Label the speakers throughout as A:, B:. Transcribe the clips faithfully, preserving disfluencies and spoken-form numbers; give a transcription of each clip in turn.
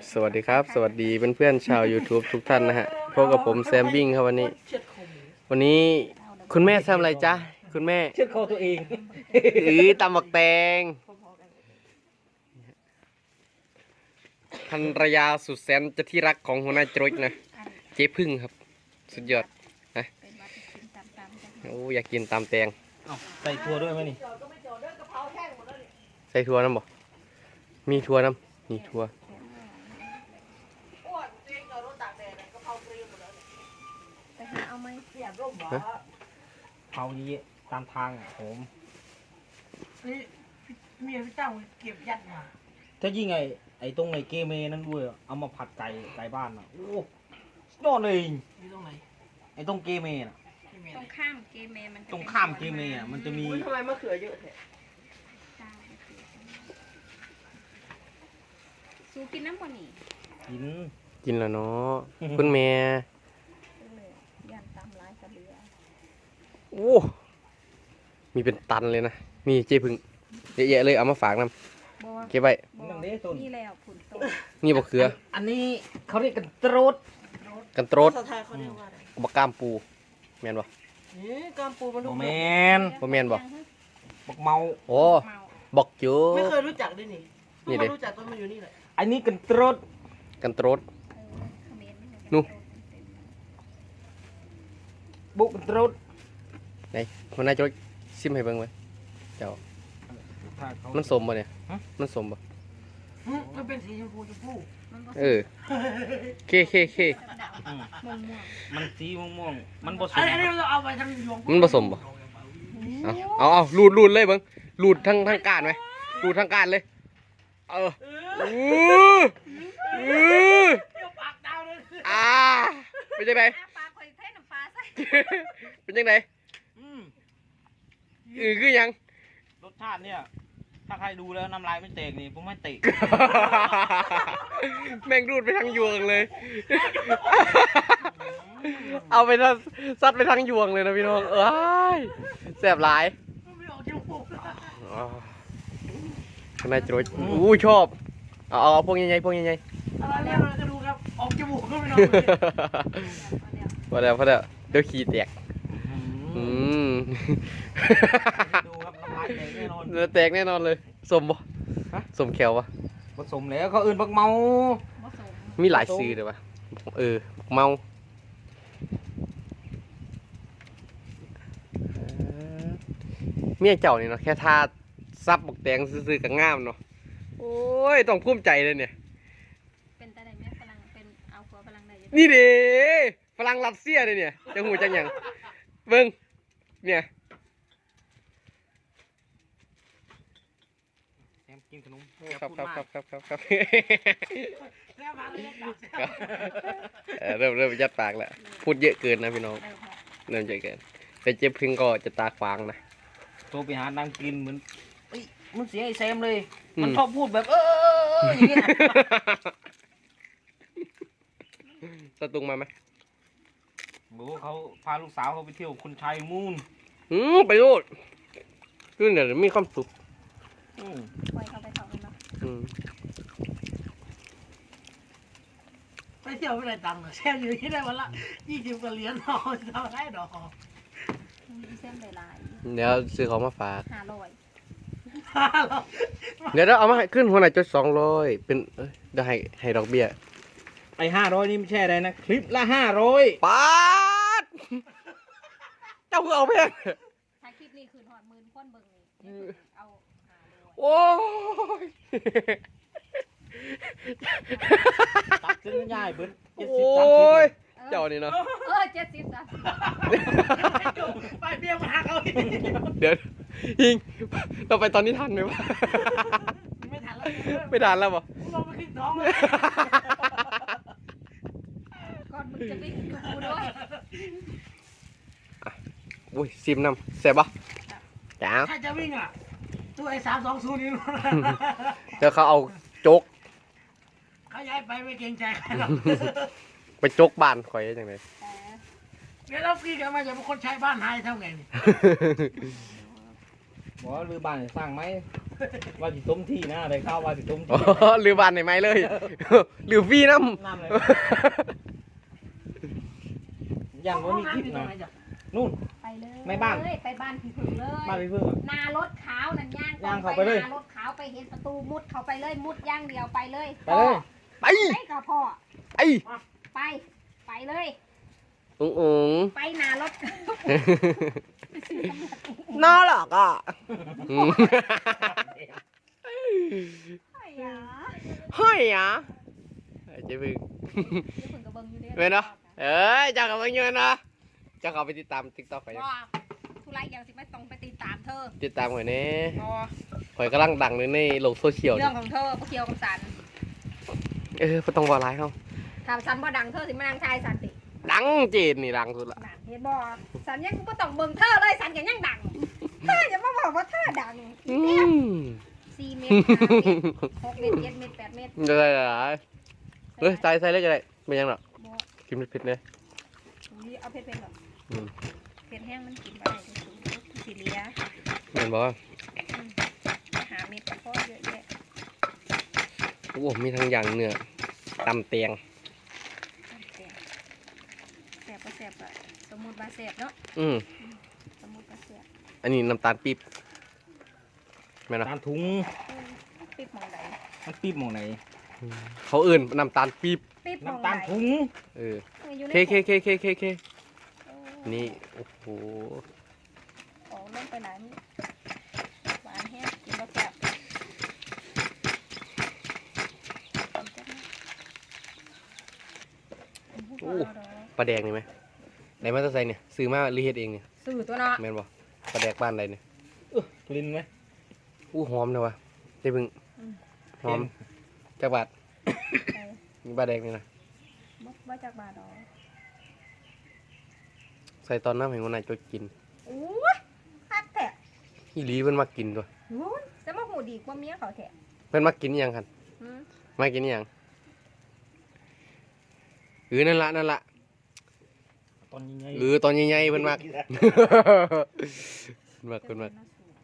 A: สวัสดีครับสวัสดีเพื่อนๆชาว YouTube ทุกท่านนะฮะพบกับผมแซมบิ้งครับวันนี้ วันนี้คุณแม่ทำอะไรจ๊ะคุณแม่
B: เชือดคอตัวเอง
A: หรือตำบักแตงภรรยาสุดแสนจะที่รักของหัวหน้าจรวดนะเจ๊พึ่งครับสุดยอดนะโอ้อยากกินตำแตง
B: ใส่ถั่วด้วยไหมนี่
A: ใส่ถั่วน้ำบ่มีถั่วน้ำมีถั่วฮะ
B: เผานี้ตามทางอ่ะผม
C: นี่เมียพี่เจ้าเก็บยัดมา
B: ถ้ายิ่งไอ้ไอ้ตรงไอ้เกเมนั่นด้วยอะเอามาผัดไก่ไก่บ้านอ่ะโอ้ยอดเลย
C: อยู่ตรงไหน
B: ไอ้ตรงเกเมน่ะ
C: ที่เมีย
D: ตรงข้ามเกมเมมันจะ
B: ตรงข้ามเกเมอ่ะมันจะมี
C: ทำไมมะเขือเยอะแท้
D: สูกินน้ำกว่านี่
B: หิน
A: กินแล้วเนาะคุณแม่
D: เลยยันตามร้ายกระเบือ
A: โอ้มีเป็นตันเลยนะมีเจ๊พึ่งเยอะๆเลยเอามาฝากน้ำ
D: บัว
A: เก็บไว้
B: นั่งเด้ต้น
D: นี่แล้วผุนโต
A: นี่บักเขือ
B: อันนี้เขาเรียกกันตรด
A: กันโตรด
C: ภาษาไทยเขาเรียกว่าอะไร
A: บักกล้ามปูแม่นบ่
C: นี่กามปูมัน
B: โม
C: ลูก
B: แม
C: เม็ด
B: น
A: บ่แม่นบ่
B: บักเมา
A: โอ้
D: เมา
A: บอกจู
C: ไม่เคยรู้จักด้วยนี่เพิ่
A: นี่
C: ง
A: ดิ
C: มารู้จักตอนมาอยู่นี่แหละ
B: อันนี้กันตรด
A: กันโตรด
D: เออเขมร
A: นู่
B: บุกกันตรด
A: ไหนคนนายจะซิมให้เบิ่งไว้เจ้า
B: ถ้าเขา
A: มันสมบ่เนี่ย
B: ฮะ
A: มันสมบ่
C: หึมันเป็นสีชมพูชมพู
D: มันก็
A: เออเคเคเค
B: อืม
D: ม่วงม่วง
B: มันสีม่วงๆมันผส
C: อั
B: ม
C: นนี้เราเอาไปทำหยวง
A: มันผสมบ่เอาเอาเอาลูดลูดเลยเบิ่งลูดทั้งทั้งก้านไหมลูดทั้งก้านเลยเออ
C: เออ
A: อู้อู้
C: เดี๋ยวปากดาวเลย
A: อ่าเป็นจังได
D: อาปลาคอยเทน้ำปลาใส่
A: เป็นจังได
B: อืม
A: อือคือหยัง
B: รสชาติเนี่ย ถ้าใครดูแล้วน้ำลายไม่เตกนี่ผมไม่เตะ
A: แม่งรูดไปทางยวงเลย เอาไปทางซัดไปทางยวงเลยนะพี่น้อง เอ้ยแสบหลาย
C: มันไม่ออกจมูก
A: ข้างในจรวดอู้ชอบ เอาเอาพวกใหญ่ๆพวกใหญ่
C: อะไรเนี่ยเราจะดูครับออกจมูกก็ไม่นอน
A: ๆพอแล้วพอแล้วเดี๋ยวขี้แตกอืม
B: ดูครับน้ำลายแตกแน่นอน
A: เดี๋ยวแตกแน่นอนเลย สมบ่ฮะสมแขวปะ
B: ผสมแล้วเขาอื่นบักเมา
D: ผสม
A: มีหลายซื้อเลยปะเออ เมาเมียเจ้านี่เนาะแค่ทาซับบักแตงซื้อๆกับง่ามเนาะโอ้ยต้องภูมิใจเลยเนี่ย
D: เป็นแต่ไหนแม่ฝรั่งเป็นเอาหัวฝรั่งได้ยัง
A: นี่เด้ฝรั่งรัสเซียเลยเนี่ยจะหูจังหยังเบิ่งเนี่ย
B: แซมกินขนม
A: ครับครับครับครับครับครับ
C: แล้วมาเลยครับ
A: เออเริ่มเริ่มยัดปากแล้วพูดเยอะเกินนะพี่น้อง
D: เออค่ะ
A: เริ่มเยอะเกินแต่เจ็บพึ่งก็จะตาขวางนะ
B: โทรไปหานางกินเหมือนเอ้ยมันเสียงไอ้แซมเลย
A: อืม
B: มันชอบพูดแบบเออเออเออเอออย่างเงี้ย
A: สตุงมาไหม
B: โอ้เขาพาลูกสาวเขาไปเที่ยวคุณชัยมูน
A: อืมไปดูคือเนี่ยมีความสุข
B: อืม
D: ปล่อยเขาไปเขาเนาะ
A: อืม
C: ไปเที่ยวไม่ได้ตังค์หรอกแช่อยู่ที่ได้วันละยี่สิบกว่าเหรียญนอนทำได้ดอก
D: เส้นหลาย
A: เดี๋ยวซื้อของมาฝาก
D: ห้าร้อย
A: เดี๋ยวเราเอามาให้ขึ้นหัวไหนจดสองร้อยเป็นเอ้ยเดี๋ยวให้ให้ดอกเบี้ย
B: ไอ้ห้าร้อยนี่ไม่ใช่อะไรนะ คลิปละห้าร้อย
A: ปาดเจ้าคือเอาแพง
D: ถ้าคลิปนี้คืนหอดหมื่นคนเบิ่งนี่เอาห้าร้อย
A: โอ้ย
B: ตัดเส้นง่ายเบิ้ลเจ็ด
A: โอ
B: สิบสามสิ้
A: ย
B: บ
A: เจ้านี่เนาะ
D: เออเจ็ดสิบสามสิบ
C: ไปเบี้ยมาหาเขาอีก
A: เดี๋ยวยิงเราไปตอนนี้ทันไหมวะ
C: ไม่ทันแล้ว
A: ไม่ทันแล้วปะ
C: เราไปขึ้นท้องเลย
D: ก่อนมึงจะวิ่งกับกูด้วย
A: อุ้ยซิมนำแซ่บปะจ้า
C: ถ้าจะวิ่งอ่ะตัวไอ้สามสองศูนย์นี่
A: เดี๋ยวเขาเอาโจ๊ก
C: เขาย้ายไปไม่เกรงใจใครหรอก
A: ไปโจ๊กบ้านข่อยได้จังไง
D: แต่
C: เดี๋ยวเราฟรีกันมาจะเป็นคนใช้บ้านหายเท่าไงนี่
B: บอกว่าลือบ้านให้สร้างไหมว่าสิต้มที่นะได้ข้าวว่าสิต้ม
A: อ๋
B: ที่
A: อลือบ้านได้ไหมเลย ลือฟรีน้ำ
B: น้ำเลยยันว่ามีคลิปนะนู่น
D: ไปเลย
B: ไม่บ้าน
D: ไปบ้านพี่ผึ่งเลย
B: บ้านพี่เพิ่งอะ
D: นารถขาวนั่นย่าง
B: ย่างเข้าไปเลย
D: นารถขาวไปเห็นประตูมุดเข้าไปเลยมุดย่างเดียวไปเลย
B: ไปเลย
A: ไป
D: ไปกับพ่อ
A: ไอ้
D: ไป ไปเลย
A: อุ๋งอุ๋ง
D: ไปนารถ
A: น่ารักอ่ะอืม
D: ไอ้ยา
A: เฮ้ยอ่ะเจ๊บึง
D: เดี๋ยวผึ่งกับเบิ้งอยู่เด้
A: เว้นเนาะเอ้ยเจ้ากับมึงเงินเนาะเจ้าเขาไปติดตามติ๊กต็อกไป
D: ว่าทุไรอย่างสิไม่ต้องไปติดตามเธอ
A: ติดตามหน่อยนี่
D: อ๋อ
A: ข่อยกำลังดังเลยในโลกโซเชียล
D: เรื่องของเธอพวกเคียวกับสัน
A: เออไม่ต้องบอกร้ายเขา
D: ถ้าสันบ่ดังเธอสิมานั่งชายสันติ
A: ดังเจนนี่ดังสุดละ
D: นั่นเห็นบ่สันยังกูก็ต้องเบิ่งเธอเลยสันยังยังดังเธออย่ามาบอกว่าเธอดัง
A: อืม
D: สี่เมตรห้าเมตรหกเมตรเจ็ดเมตรแปดเมตร
A: จะได้หลายเฮ้ยใส่ใส่เลยก็ได้ไม่ยังหรอก
D: บ่
A: กินเผ็ดๆเนี่ย
D: อุ้ยเอาเผ็ดๆหรอก
A: อืม
D: เผ็ดแห้งมันกินบ่ได้สีเหลีย
A: เห็นบอกว่า
D: หาเม็ดก็พอเยอะแยะ
A: โอ้มีทั้งอย่างเนื้อตำเตียง
D: แสบก็แสบอะสมมุติว่าแสบเนาะ
A: อืม
D: สมมุติว่าแสบ
A: อันนี้น้ำตาลปี๊บแม่นเนาะ
B: ตาลถุง
D: อืมปิดหมองใด
B: มันปี๊บหมองไหน
A: เขาเอื่นน้ำตาลปี๊บ
D: ปิดหมอง
B: น้ำ
D: ใด
B: ตาลถุง
A: เออ
D: อยู่ใน
A: เคเคเคเคเคเค
D: โอ้
A: นี่โอ้โห
D: ออกลงไปไหนนี่หวานแห้งกินบ่แสบ
A: โอ้ปลาแดงนี่ไหมไหนมาจะใส่เนี่ยซื้อมาหรือเฮ็ดเองเนี่ย
D: สื่อตัวเนาะ
A: แม่นบ่ปลาแดกบ้านใดเนี่ย
B: เออกลิ่นไหม
A: อู้หอมเลยวะเจ๊บึงหอมจักบาท
D: ไป
A: มีปลาแดกนี่นะ
D: บ่บ่จากบาดอก
A: ใส่ตอนน้ำให้คนไหนายจดกิน
D: โอ้ยคักแท้
A: อีหลีเพิ่นมากินตัว
D: โอ้ยจะมาหูดีกว่าเมียเขาแท้
A: เพิ่นมากินอิหยังคัน
D: หืม
A: มากินอิหยังเออนั่นละนั่นละ
B: ตอนยังไง
A: เออตอนใหญ่ๆเพิ่นมา เพิ่นมาเพิ่นมา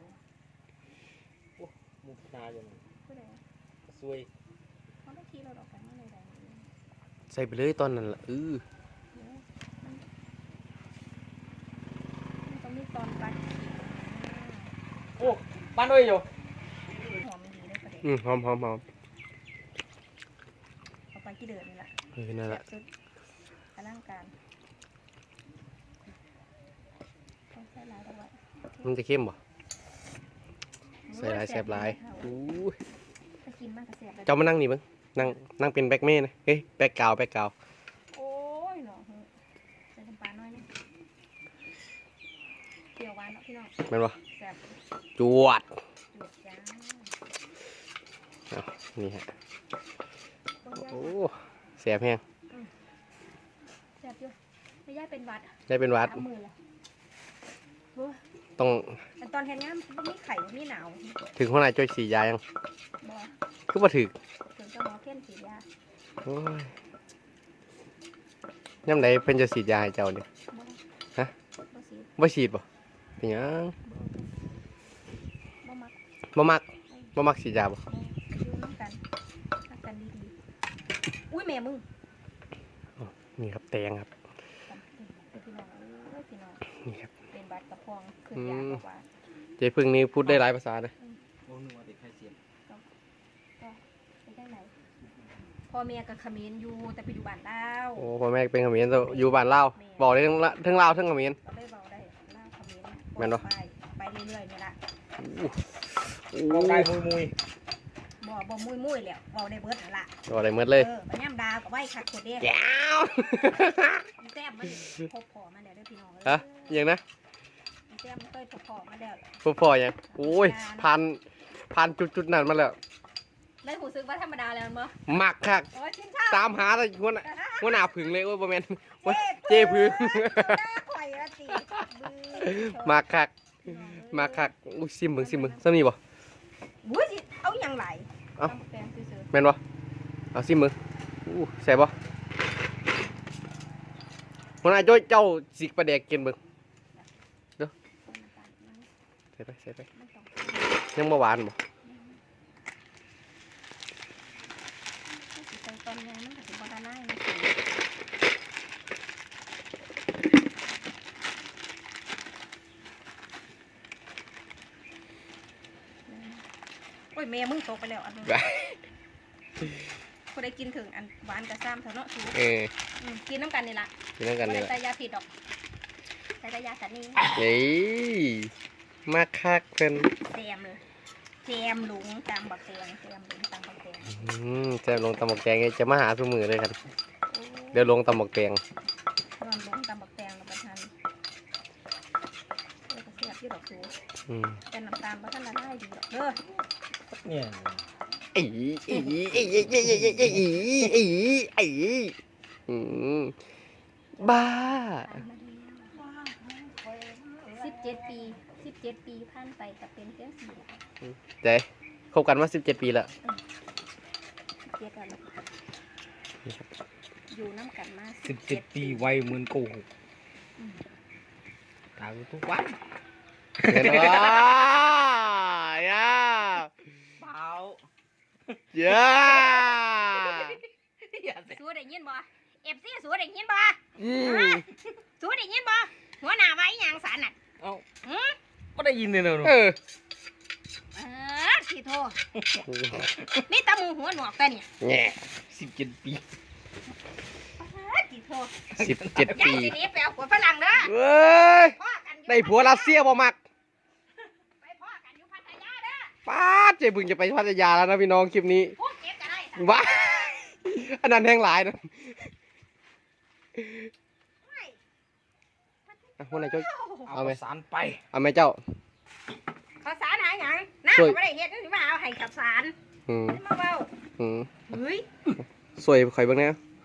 B: มุกนาอยู่นั่น
D: ผู้ใด
B: สวย
D: เขาได้ขี่เราดอกกันเมื่อไรใด
A: ใส่ไปเลยตอนนั้นละเออ
D: มันต้องมีตอนปัด
B: โอ้บ้านด้วยอยู่
D: หอมดีเลยประเด็น
A: อืมหอมหอมหอม
D: เอาไปที่เดินนี่แหละ
A: เออนั่น
D: แบ
A: ละ
D: บสุดอลังการต้องใส่หลายดอกไว้
A: มันจะเข้มบ่ใส่หลายแซ่บหลายอู้ย
D: ถ้ากินมากก็แซ่บเลย
A: เจ้ามานั่งนี่เบิ่งนั่งนั่งเป็นแบ็คเม่นะเฮ้ยแบ็คกราวด์แบ็คกราวด์
D: โอ้ยเนาะใส่น้ำปลาน้อยนึงเปรี้ยวหวานเนาะพี่น้อง
A: แม่นบ่
D: แซ่บ
A: จวด
D: จุดจ้า
A: เอานี่ฮะ
D: โอ้
A: โอ้แซ่บแห้ง
D: แซ่บอยู่ไม่ย่ายเป็นหวัด
A: ได้เป็นหวัด
D: สามมือเลยโอ้ย
A: ต้อง
D: แต่ตอนเห็นงานบ่มีไข่บ่มีหนาว
A: ถึงหัวหน้าจ้อยสียายัง
D: บ่
A: คือบ่ถึก
D: ถึงจะหมอเข้มสียา
A: โอ้ยย่ำใดเพิ่นจะสีดยาให้เจ้าเนี่ย
D: บ่
A: ฮะ
D: บ่สี
A: บ่ฉีดบ่เป็นหยัง
D: บ่มัก
A: บ่มักบ่มักสีดยาบ่
D: บ่อยู่น้ำกันรักกันดีๆอุ้ยแม่มึง
A: นี่ครับแตงครับ
D: เป็นพี่น้องเอ้ยพี่น้อง
A: นี่ครับ
D: เป็นบัตรกระพองขึ้นยาบอกว่า
A: เจ๊พึ่งนี่พูดได้หลายภาษานะ
B: โอ้หนูว่าเด็กไทยเสียม
D: เป็นได้ไหนพ่อแม่กับเขมรอยู่แต่ไปอยู่บ้านลาว
A: โอ้พ่อแม่เป็นเขมรแต่อยู่บ้านลาวบอกได้ทั้งละทั้งลาวทั้งเขมร
D: ก็เลยบอกได้ลาวเขมร
A: แม่นบ่
D: ไปไปเรื่อยๆนี่ละ
B: เราได้มุยมุย
D: บ่บ่มุ้ยมุ้ยๆแล้วบอกได้เบิดนั่นละ
A: บอกได้หมดเลย
D: เออบัญญัติดาวกับไว้คักโคตรเด้
A: แก้ว
D: แต้มมันพบพอมาแล้วเด้อพี่น้อง
A: ฮะอยังนะ
D: แต้มมันเคยพบพอมาแล้ว
A: พ่อพ่อยังโอ้ยพันพันจุดจุดๆนั้นมาแล้ว
D: ได้หูซึกว่าธรรมดาแล้วมั้ง
A: มักคัก
D: โอ้ยชินชอบ
A: ตามหาแต่หัวหน้าหัวหน้าผึ่งเลยโอ้ยบ่แม่นโอ้ยเจ๊พึ่ง
D: หน้าข่อยละสิบื้อ
A: มักคักมักคักอุ้ยซิมเบิ่งซิมเบิ่งซ้ำนี่บ่
D: อุ้ยสิเอาอย่างไร
A: เอ้า
D: ตำแตงซื่อ
A: แม่นบ่เอาซิมเบิ่งอู้ใส่บ่หัวหน้าจ้อยเจ้าสิกประแดกกินเบิ่ง
D: ๆ
A: ใส่ไปใส่ไป
D: มันต้อง
A: ยังบ่หวานบ่
D: สิใส่ตอนนี้มันก็สิบ่ละลายมันสิโอ้ยแม่มึงตกไปแล้วอันนึงผู้ใดกินถึงอันหวานกับซ้ำเถอะเนาะสู
A: เออ
D: อืมกินน้ำกันนี่ล่ะ
A: กินแล้วกัน
D: บ่
A: นี่
D: ได้
A: แหละ
D: ใส่ยาผิดดอกใส่แต่ยาสันนี่
A: เฮ้ยมาคักเพิ่น
D: แซมเลยแซมหลุงตามบักแตงแซมหลุงตามบักแตง
A: อืมแซมลงตำบักแตงนี่จะมาหาทุกมือเลยครับ
D: โอ้
A: เดี๋ยวลงตำบักแตง
D: นอนหลุงตามบักแตงแล้วประทานเออก็เสียบที่ดอกสู
A: อืม
D: แต่น้ำตาลบ่ทันละลายดีดอกเด้อ
B: เนี่ย
A: อีอีอีอีอีอีอีอีอีอีอืมบ้า
D: สิบเจ็ดปีสิบเจ็ดปีผ่านไปกับเป็นเพียงสี่
A: เจ๊คบกันมาสิบเจ็ดปีแล้ว
D: เจ็ดกันอยู่น้ำกันมา
B: สิบเจ็ดปีวัยเหมือนโกหกตายทุกวัน
A: เห็นว่าย่า
B: เปล่า
A: ย่า
D: สู้ได้ยินบ่เอฟซีสู้ได้ยินบ่
A: อืม
D: สู้ได้ยินบ่หัวหน้าไว้หยังสันน่ะ
B: เอ้า
D: หือ
B: ก็ได้ยินเลยเนอะ
A: เออ
D: เออสิโทนี่ตามูหัวหนวกแต่เนี่ย
A: แง่
B: สิบเจ็ดปี
D: เออสิโท
A: สิบเจ็ด
D: ยาย
A: ปี
D: สิหนี้ไปเอาผัวฝรั่งเด้อ
A: เว้ย
D: พ่อกันอยู่
A: ได้ผัวรัสเซียบ่มัก
D: ไปพ่อกันอยู่พัทยาเด้อ
A: ป้าดเจ๊บึงจะไปพัทยาแล้วนะพี่น้องคลิปนี้
D: พวกเก็บก็ได้สัน
A: ว้าอันนั้นแห้งหลายนะอ่ะคนไหนจ้อย
B: เอา
A: เอาไหม
B: สารไป
A: เอาไหมเจ้า
D: ข้าวสารหาหยังน้า
A: ช่วย
D: ก็ไม่ได้เฮ็ดนี่มาเอาให้ข้าวสาร
A: อืม
D: นี่มาเว้า
A: อืม
D: เฮ้ย
A: สวยข่อยเบิ่งแหน่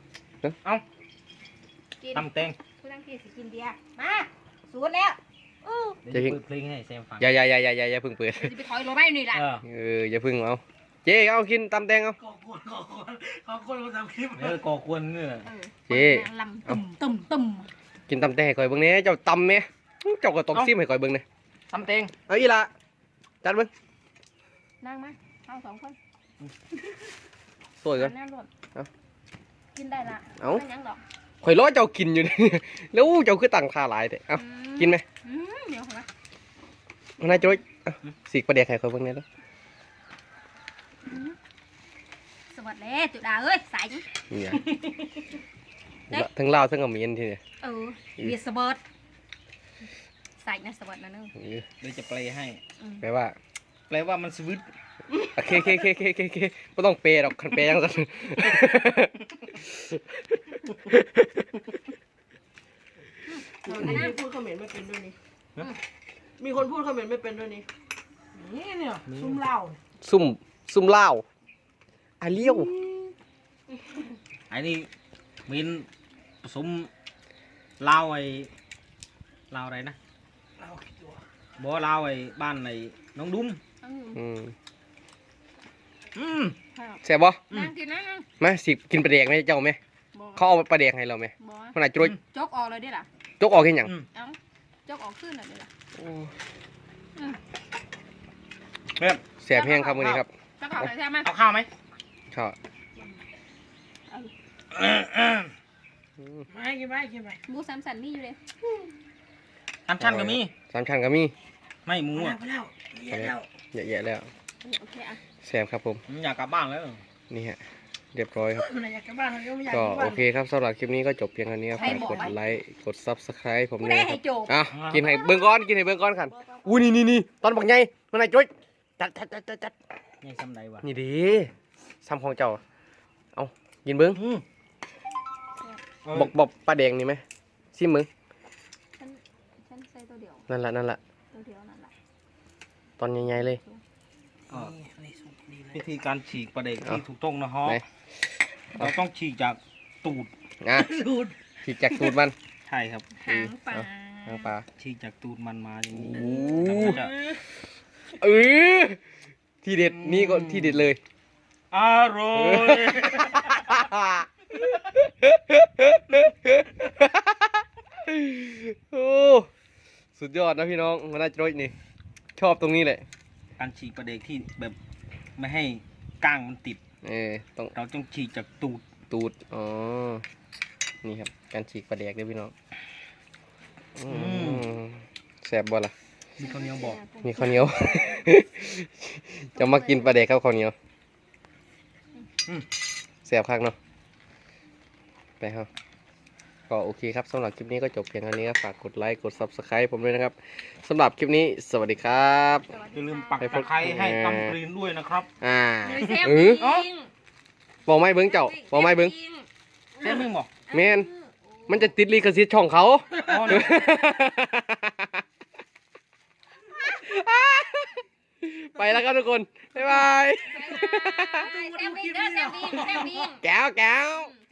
D: กิน
B: ตำแตง
D: ผู้ตั้งที่สิกินเบียร์มาสูตรแล้วอู้
B: เดี๋ยวจะเปิดเพลงให้แซมฟัง
A: อย่าอย่าอย่าอย่าอย่าอย่าเพิ่งเปิด
D: จะไปถอยรถไม่นี่ล่ะ
B: เออ
A: เอออย่าเพิ่งเอาเจ๊เอากินตำแตงเอา
C: ก่อกวนก่อกวนก่อกวนมาทำคลิป
B: เออก่อควรเนี่ย
D: เออ
A: เจ๊
D: ลำตุ่มตุ่มตุ่ม
A: กินตำแตงให้ข่อยเบิ่งแหน่เจ้าตำแหน่เจ้าก็ตกซิมให้ข่อยเบิ่งแหน่
B: ตำแตง
A: เอาอีละจัดเบิ่ง
D: นั่งมาเอาสองคน
A: สวยก่อน
D: แน่รถ
A: เอา
D: กินได้ละ
A: เอา
D: ไม่ยังหรอก
A: ข่อยรอเจ้ากินอยู่นี่ แล้วเจ้าคือตั้งท่าหลายแต่เอา
D: อืม
A: กินไหม
D: อืมเดี๋ยวเหรอ
A: นายโจ้ยเอาสีกประเดี๋ยวให้ข่อยเบิ่งแหน่เด้อ
D: สวัสดีจุดาเอ้ยสาย
A: เนี่ยทั้งลาวทั้งเขมรทีเนี่ย
D: เออเวียดสเบิร์ดใส่นะสวัสดีนะนึง
A: เออ
B: เดี๋ยวจะแปลให้
A: แปลว่า
B: แปลว่ามันสวิต
A: โอเคโอเคโอเคโอเคโอเคโอเคไม่ต้องเปย์หรอกคันเปย์ยังสัน
C: มีคนพูดเขมรไม่เป็นด้วยนี่มีคนพูดเขมรไม่เป็นด้วยนี่นี่เนี่ยซุ่มเหล้า
A: ซุ่มซุ่มเหล้าอาเลี้ยว
B: ไอ้นี่มินผสมลาวไอ้ลาวอะไรนะ
C: เหล้ากี่ตัว
B: บ่ลาวไอ้บ้านไอ้น้องดุ้ม
D: อืม
A: อืม
B: อืม
A: แซ่บบ่
D: นั่งกินนะนั่ง
A: มาสิกินปลาแดกไหมเจ้าไหม
D: บ่
A: เขาเอาปลาแดกให้เราไหม
D: บ่
A: ขนาดจุ๊ย
D: จกออกเลยได้ล่ะ
A: จกออกแค่หยัง
B: อืม
D: เอ้าจกออกขึ้นเลยได้ล่ะ
B: เพื่อน
A: แซ่บแห้งครับวันนี้ครับ
D: จกออกเลยใช่ไหม
B: เอาข้าวไหม
A: ข้าว
C: ไม่กินไม่กินไม่
D: หมูสามสันมีอยู่เลย
B: น้ำชั้นก็มี
A: สามชั้นก็มี
B: ไม่หมู
C: พอ
B: อ่ะ
C: แล้วพอแล้วเยอะแล้ว
A: เยอะแยะแล้ว
D: โอเคอ่ะ
A: แซ่บครับผม
B: ผมอยากกลับบ้านแล้ว
A: นี่ฮะเรียบร้อยครับ
C: มันอยากกลับบ้านมันก็ไม่อยาก
A: ก็
C: กลับบ้า
A: โอน เคครับสำหรับคลิปนี้ก็จบเพียงเท่านี้ครับฝากกดไลค์กด ซับสไครบ์ผม
D: ผู้
A: ด้
D: ใด
A: วยค
D: ให้
A: รับ
D: โจก
A: อ่ะกินให้เบิ่งก้อนกินให้เบิ่งก้อนขันอุ้ยนี่นี่นี่ตอนบักใหญ่มันไหนจุ๊ยจัดจัดจัดจัดจัด
B: นี่ซ้ำใดวะ
A: นี่ดีซ้ำของเจ้าเอากินเบิ้ง
B: อืม
A: บอกบอกปลาแดงนี่ไหมซิมมึง
D: ฉันฉันใส่ตัวเดียว
A: นั่นละนั่นละ
D: ตัวเดียวนั่นแหละ
A: ตอนใหญ่ๆเลย
B: ก็
C: นี่นี่สุกดีเลย
B: วิธีการฉีกปลาเด็ก
A: เอา
B: ที่ถูกต้องนะฮะ
A: ไหน
B: เราต้องฉีกจากตูด
A: อ่ะ
C: สูตร
A: ฉีกจากตูดมัน
B: ใช่ครับ
D: หางปลา
A: หางปลา
B: ฉีกจากตูดมันมาอย่างนี้
A: โอ้
B: แล้วก็จะ
A: เออทีเด็ดนี่ก็ทีเด็ดเลย
B: อร่อย
A: โอ้สุดยอดนะพี่น้องมันน่าจะรสนี่ชอบตรงนี้แหละ
B: อการฉีกปลาเด็กที่แบบไม่ให้ก้างมันติด
A: เออต้อง
B: เราต้องฉีกจากตูด
A: ตูดอ๋อนี่ครับการฉีกปลาแดกเด้อพี่น้องอืมแซ่บบ่ล่ะ
B: มีข้าวเหนียวบอก
A: มีข้าวเหนียว จะมากินปลาแดกครับข้าวเหนียวแซ่บคักเนาะไปครับก็โอเคครับสำหรับคลิปนี้ก็จบเพียงเท่านี้ครับฝากกดไลค์กด ซับสไครบ์ ผมด้วยนะครับสำหรับคลิปนี้สวัสดีครับ
B: อย่าลืมปักตะไคร้ให้ตำกรีนด้วยนะครับ
A: อ่า
D: เลยแซ่บ
A: เออ
D: จริง
A: บอกไม่เบิ้งเจ้าบอกไม่เบิ้ง
B: เส้นมึงบอก
A: แมนมันจะติดลิขสิทธิ์ช่องเขา
B: อ๋อเนี่ย
A: ไปแล้วครับทุกคน บ๊ายบาย
D: แซ่บจริงเด้อแซ่บจริงแซ่บจริง
A: แก้วแก้ว
D: อืม